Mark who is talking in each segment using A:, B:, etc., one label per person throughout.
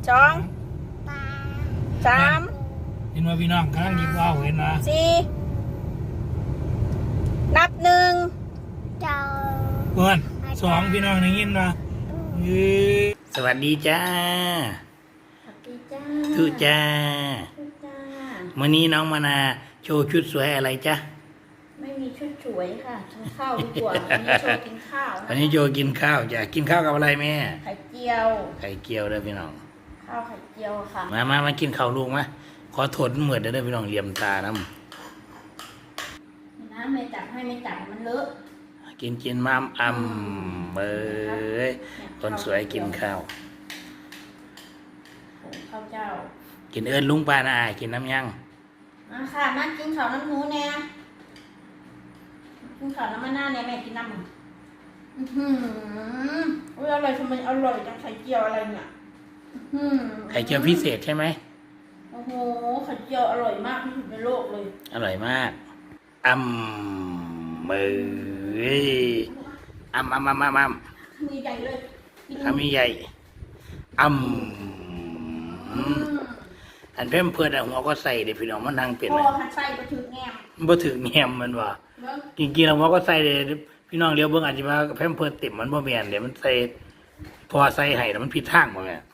A: สองสาม
B: เห็นว่าพี่น้องกำลังยิบว่าวเห็นนะ
A: สี่นับหนึ่ง
B: เพื่อนสองพี่น้องได้ยินนะสวัสดีจ้าทุจ้าวันนี้น้องมานาโชว์ชุดสวยอะไรจ้า
A: ไม่มีชุดสวยค่ะกินข้าวดีกว่าวันนี้โชว์กินข้าว
B: วันนี้โชว์กินข้าวจ้ะกินข้าวกับอะไรแม่
A: ไข่เจียว
B: เด้อพี่น้อง
A: ข้าวไข่เจียวค่ะ
B: มากินข้าวลูกมาขอโทษเหมือนเด้อพี่น้องเหลี่ยมตาน้ำ
A: ไม่จับให้ไม่จับมันเลอะ
B: กินมามเอ้ยคนสวยกินข้าว
A: ข้าวเจ้า
B: กินเอิญลุงปานากินน้ำยัง
A: มาค่ะมากินข้าวน้ำหนูแน่กินข้าวน้ำมันหน้าเนี่ยแม่กินน้ำอุ้ยอร่อยทำไมอร่อยจังไข่เจียวอะไรเนี่ย
B: ไข่เจียวพิเศษใช่ไหม
A: โอ้โหไข่เจียวอร่อยมากที่สุดในโลกเลย
B: อร่อยมากเอ้ย
A: มีใหญ่เลย
B: มีใหญ่อันเพิ่มเพื่อนหัวก็ใส่เดี๋ยวพี่น้องมันนั่งเป็น
A: พอหันใส่บ่ถึงแง่
B: บ่ถึงแง่มันว่ะจริงๆแล้วหัวก็ใส่เดี๋ยวพี่น้องเลี้ยวเบิ่งอาจจะว่าเพิ่มเพื่อนเต็มมันบ่แม่นเดี๋ยวมันใส่พอใส่ให้แล้วมันผิดทางบ่แม่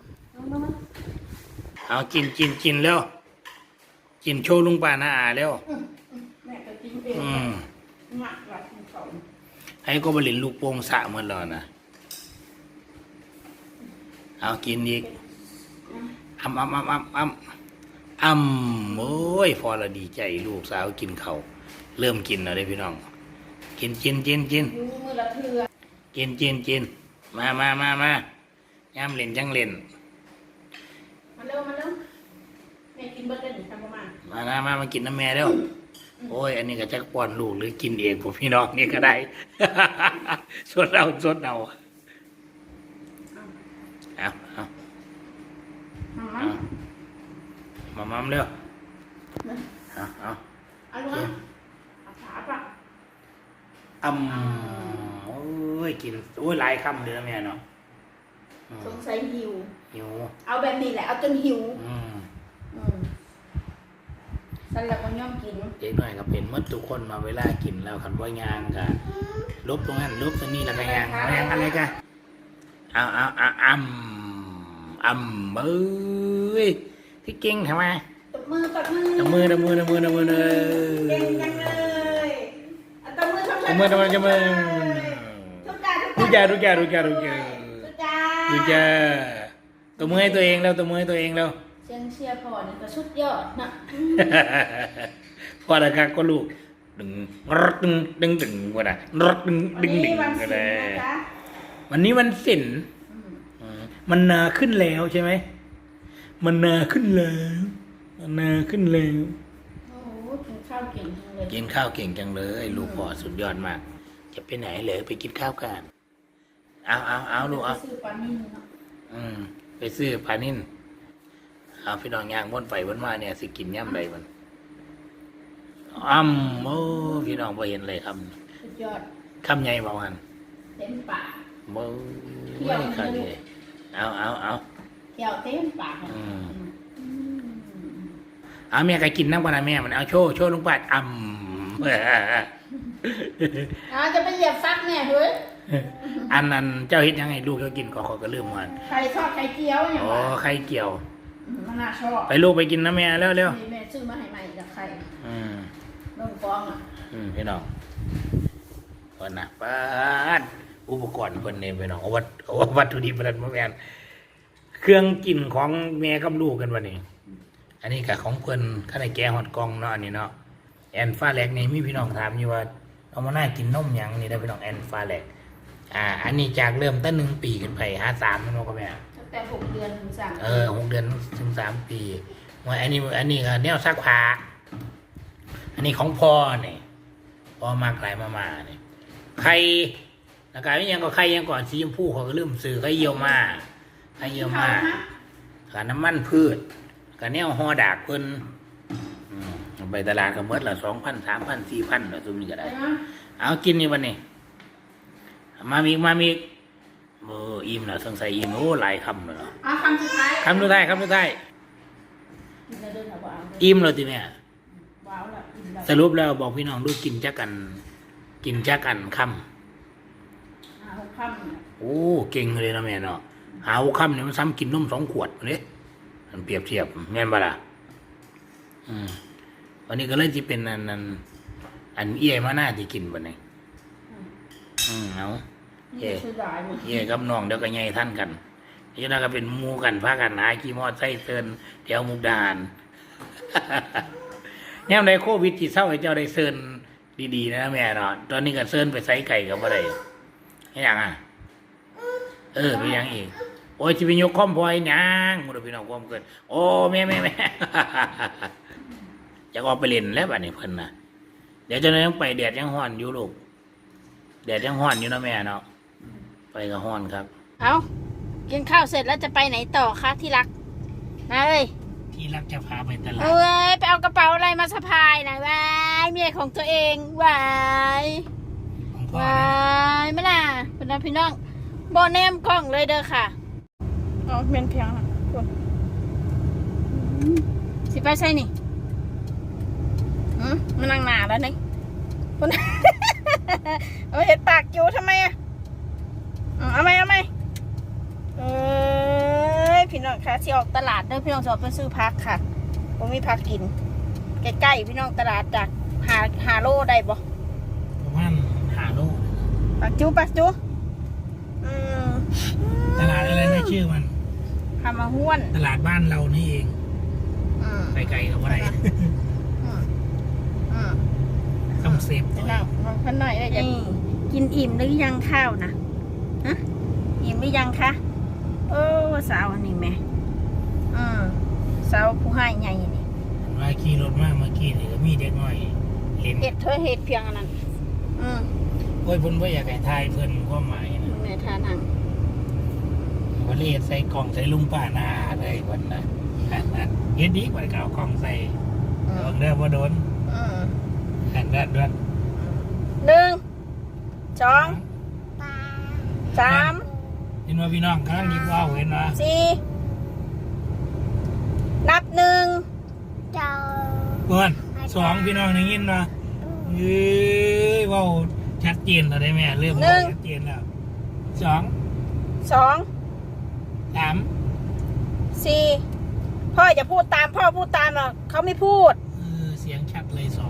B: เอากินแล้วกินโชว์ลุงป้าหน้าแล้ว
A: แม่ก็กินเองหนักหลับเขา
B: ให้ก็บริลลูกโป่งสะเหมือนเรานะเอากินอีกโอ้ยพอเราดีใจลูกสาวกินเขาเริ่มกินแล้วเลยพี่น้องกิน
A: มือละเทือ
B: กินมาย่ำเล่นจังเล่น
A: มาเร็วแม่กินเบิร์ดได้หนึ่งคำประมาณ
B: มากินน้ำแม่เร็วโอ้ยอันนี้ก็จะป้อนลูกหรือกินเองผมพี่น้องนี่ก็ได้สดเอามาเร็ว
A: เอาลูกขาปะ
B: โอ้ยกินโอ้ยหลายคำเลยนะแม่เนาะ
A: สงสัยหิวเอาแบบนี้แหละเอาจนหิวสั่นแล้วก็ย่อมกิน
B: เด็กหน่อยก็เป็นมดทุกคนมาเวลากินแล้วคันว่ายางกันลบตรงนั้นลบตรงนี้แล้วก็ยางอะไรกันเอ้ยที่เก่งทำไม
A: ตบมือ
B: เลยเก่งจังเลยตบมือทุกจ่าตบมือให้ตัวเองแล้ว
A: เชียร์พอนี่ก็สุดยอดนะ
B: พอแล้วครับก็ลูกดึงว่าได้ดึงก็ได้วันนี้วันศิลป์มันนาขึ้นแล้วใช่ไหมมันนาขึ้นแล้ว
A: โอ้กินข้าวเก่ง
B: จังเลยลูกพ่อสุดยอดมากจะไปไหนเลยไปกินข้าวกันเอาลูกเอาไปซื้อปลานิ่นเอาพี่น้องย่างวนไปวนมาเนี่ยสิกินย่ำใดมันโอ้พี่น้องพอเห็นเลยครับ
A: สุดยอด
B: คำใหญ่ประมาณ
A: เต็มปาก
B: ไม่คำใหญ่เอา
A: เที่ยวเต็มปาก
B: แม่ใครกินน้ำปลาแม่มันเอาโชว์ลงไป
A: จะไปเหยียบฟักแม่เฮ้ย
B: อันนั้นเจ้าเห็นยังไงลูกเขากินก็ลืมมัน
A: ใครชอบไข่เจียวเนี่ย
B: ไข่เจียว
A: มันน่าชอบ
B: ไปลูกไปกินนะแม่เร็ว
A: แม่ซื้อมาให้ใหม่จากใครลงฟอง
B: พี่น้องคนนะป้าอุปกรณ์คนเนี่ยพี่น้องเอาวัตถุดิบอะไรมาแมนเครื่องกินของแม่กับลูกกันวันนี้อันนี้กับของเพื่อนข้าวในแกงหอดกองเนาะอันนี้เนาะแอนฟ้าแหลกนี่มีพี่น้องถามอยู่ว่าเอามาหน้ากินนมยังนี่ได้พี่น้องแอนฟ้าแหลกอันนี้จากเริ่มตั้ง1 ปีขึ้นไป53นั่นก็แม่
A: ตั้งแต่6 เดือนถึง3
B: 6 เดือนถึง3 ปีว่าอันนี้ก็แนวซักผ้าอันนี้ของพ่อเนี่ยพ่อมากหลายมาเนี่ยไข่แล้วก็ยังก็ไข่ยังก่อนสีชมพูเขาก็เริ่มซื้อไข่เยี่ยวมากับน้ำมันพืชกับแนวห่อดากเพิ่นไปตลาดก็เมื่อละ2,000 3,000 4,000แล้วซุมนี้ก็ได้เอากินนี่วันนี้มามีอิ่มแล้วสงสัยอิ่มโอ้หลายคำเลยเนาะ
A: คำสุดท้าย
B: คำสุดท้ายคำสุดท้าย
A: เราเดินเอาเอา
B: อิ่มแล้วทีเนี่ย
A: ว้าวละอิ่มแล้ว
B: สรุปแล้วบอกพี่น้องดูกินจักกันค
A: หกคำเนี่ย
B: ำโอ้เก่งเลยนะแม่เนาะหาหัวคำเนี่ยมันซ้ำกินนม2 ขวดเนี่ยมันเปรียบเทียบแม่นบ่ล่ะวันนี้ก็เลยที่เป็นอันเอี้ยมาหน้าที่กินบ่เนี่ยเอา
A: นี่คือหลายหมด
B: เอี้ยกับน้องเดี๋ยวก็ใหญ่ท่านกันนี่นะก็เป็นหมู่กันพากันหาขี่มอไซค์เซินแถวมุกดาหารแนวในโควิดที่เศร้าให้เจ้าได้เซินดีๆนะแม่เนาะตอนนี้ก็เซินไปไซไก่กับอะไรให้ยังไปยังอีกโอ้ยจะไปยกข้อมพลอยยังมุดพี่น้องความเกิดโอ้แม่จะออกไปเล่นแล้วบัดนี้เพิ่นนะเดี๋ยวจะต้องไปแดดยังฮ้อนอยู่ลูกแดดยังฮ้อนอยู่นะแม่เนาะไปก็ฮ้อนครับ
C: เอากินข้าวเสร็จแล้วจะไปไหนต่อคะที่รักนะเอ้ย
B: ที่รักจะพาไปตลาด
C: เอ้ยไปเอากระเป๋าอะไรมาสะพายนะวายเมียของตัวเองวาย
B: ของพ่อ
C: วายไม่ล่ะเป็นพี่น้องโบแนมกล้องเลยเด้อค่ะอ๋อเมียนเพียงนะคุณสิไปใช่นี่มันนั่งหนาแล้วนี่คุณ เอาเห็ดปากอยู่ทำไมอ่ะเอาไหมเอ้ยพี่น้องคะที่ออกตลาดเด้อพี่น้องจะออกไปซื้อพักค่ะผมมีพักกินใกล้ๆพี่น้องตลาดจากหาโลได้บ่
B: ประมาณ5 โล
C: ปักจู
B: ตลาดอะไรนะชื่อมัน
C: ทำมาห้วน
B: ตลาดบ้านเรานี่เอง ไปไกลกับอะไรต้องเซฟหน่อย
C: ลองพันหน่อยได้จะกินอิ่มหรือยังข้าวนะฮะอิ่มหรือยังคะโอ้สาวอันนี้แม่สาวผู้ให้ใหญ่นี่
B: มาขี่รถมาเมื่อกี้นี่ก็มีเด็กน้อยเล่น
C: เห็ดเธอเห็ดเพียงอันนั้น
B: โอ้ยเพิ่นบ่อยากให้ทายเพิ่นความหมายนะ
C: แม่ทานัง
B: ว่าเลยใส่กล่องใส่ลุงป้าหน้าเลยวันนะเฮ็ดดีกว่าเก่ากล่องใส่โดนเด้อบ่โดนหันด้านด้วย
C: 1 2 3
B: เห็นว่าพี่น้องกำลังยิบว่าวเห็นว่า
C: 4นับ1
B: เพิ่น2พี่น้องได้ยินว่าเอ้ยเว้าชัดเจนแล้วได้แม่เริ่มเว้าชัดเจนแล้ว2
C: 2
B: 3
C: 4พ่ออย่าพูดตามพ่อพูดตามหรอกเขาไม่พูด
B: เสียงชัดเลย2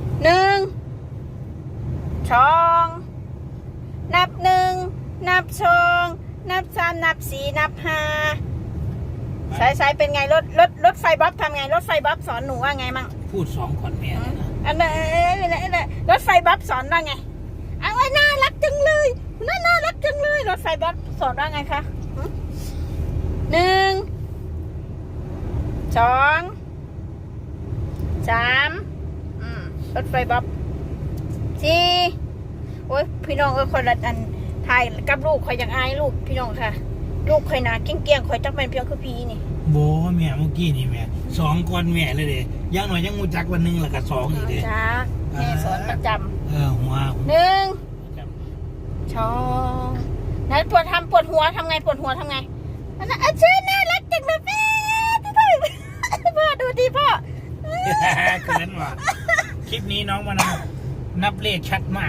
C: 1 2นับ1นับ2นับ3นับ4นับ5สายเป็นไงรถไฟบ๊อบทำไงรถไฟบ๊อบสอนหนูว่าไงมั่ง
B: พูด2ก่อนแม่นะ
C: อันนั้นรถไฟบ๊อบสอนว่าไงเอาไว้น่ารักจังเลยน่ารักจังเลยรถไฟบ๊อบสอนว่าไงคะ1 2 3รถไฟบ๊อบ4โอ้ยพี่น้องคนละอันถ่ายกับลูกคอยอย่างอายลูกพี่น้องค่ะลูกคอยหนาเกี้ยงคอยจักเป็นเพียงคือพี่นี่
B: โบแม่เมื่อกี้นี่แม่2ก่อนแม่เลยเด้ยังหน่อยยังงูจักวันนึงแล้วก็2อีกเด้
C: จ้าแม่สอนประจำ
B: หัว
C: 1 2นั้นปวดหัวทำไงปวดหัวทำไงอันนั้นชื่อน่ารักจังเลยพ่อดูดิพ่อ
B: เกินว่ะคลิปนี้น้องมานับเลขชัดมาก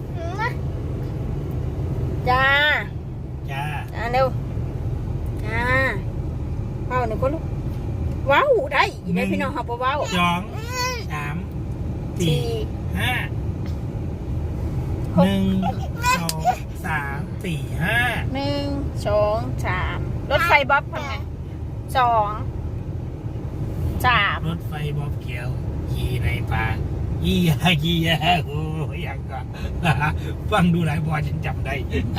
C: จ้าเร็วจ้าว้าวหนึ่งคนลูกว้าวได้ยินได้พี่น้องเขาบอกว้าว
B: 2 3 4 5 1 2 3 4 5
C: 1 2 3รถไฟบ๊อบทำไง2 3
B: รถไฟบ๊อบเขียวขี่ในป่ายี่ยาโอ้ยยังก็ฟังดูหลายบอฉันจำได้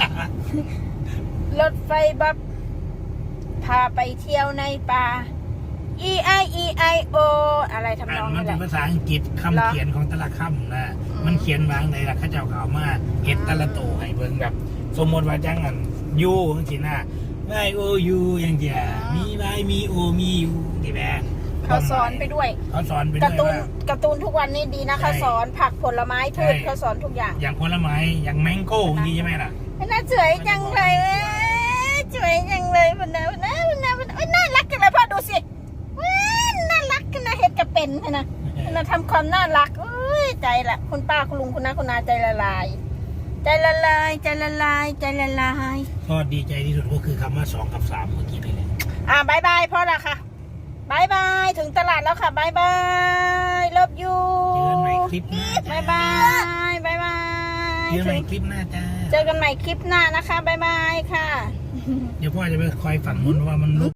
C: รถไฟบ๊อบพาไปเที่ยวในป่า E-I-E-I-O อะไรทำนองนี้แหละ
B: มันเป็นภาษาอังกฤษคำเขียนของแต่ละคำนะมันเขียนวางในหลักข้าเจ้าเขามาเห็ดแต่ละโตให้เบิ่งแบบสมมติว่าจังอันยูจังซี่นะไม่โอยูอย่างเดียวมีไว้มีโอมียูนี่แหละ
C: เขาสอนไปด้วย
B: เขาสอนไปด้วย
C: การ์ตูนทุกวันนี้ดีนะเขาสอนผักผลไม้พืชเขาสอนทุกอย่าง
B: อย่างผลไม้อย่างแมงโก้นี่ใช่ไหมล่ะ
C: น่าสวยจังเลยสวยจังเลยพนะพนะพนะพนะน่ารักจังเลยพ่อดูสิว้าวน่ารักกันนะเห็ดกระเป็นนะนะทำความน่ารักเอ้ยใจละคุณป้าคุณลุงคุณน้าคุณนาใจละลาย ใจละลายใจละลายใจละลาย
B: ก็ดีใจที่สุดก็คือคำว่า2 กับ 3เมื่อกี้นี่แหละ
C: บายบายพ่อละค่ะบายบายถึงตลาดแล้วค่ะบายบายเลิฟยู
B: เจอกันใหม่คลิปหน้า
C: บายบายบายบาย
B: เจอกันใหม่คลิปหน้าจ้า
C: เจอกันใหม่คลิปหน้านะคะบายบายค่ะ
B: เดี๋ยวพ่อจะไปคอยฝั่งนู้นว่ามันลุก